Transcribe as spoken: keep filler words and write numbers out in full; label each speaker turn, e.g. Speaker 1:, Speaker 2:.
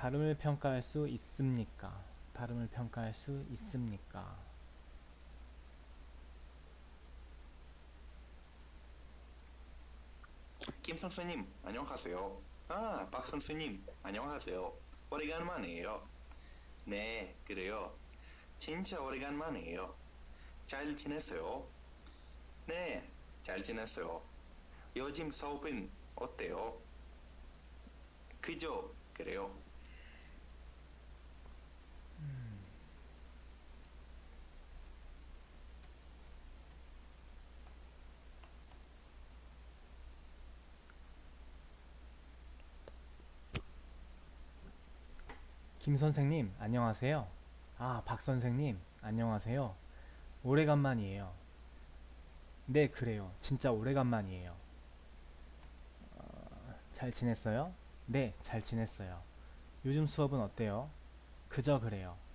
Speaker 1: 발음을 평가할 수 있습니까? 발음을 평가할 수 있습니까?
Speaker 2: 김 선생님, 안녕하세요. 아, 박 선생님, 안녕하세요. 오래간만이에요. 네, 그래요. 진짜 오래간만이에요. 잘 지냈어요? 네, 잘 지냈어요. 요즘 수업은 어때요? 그죠? 그래요.
Speaker 1: 김 선생님, 안녕하세요. 아, 박 선생님, 안녕하세요. 오래간만이에요. 네, 그래요. 진짜 오래간만이에요. 잘 지냈어요? 네, 잘 지냈어요. 요즘 수업은 어때요? 그저 그래요.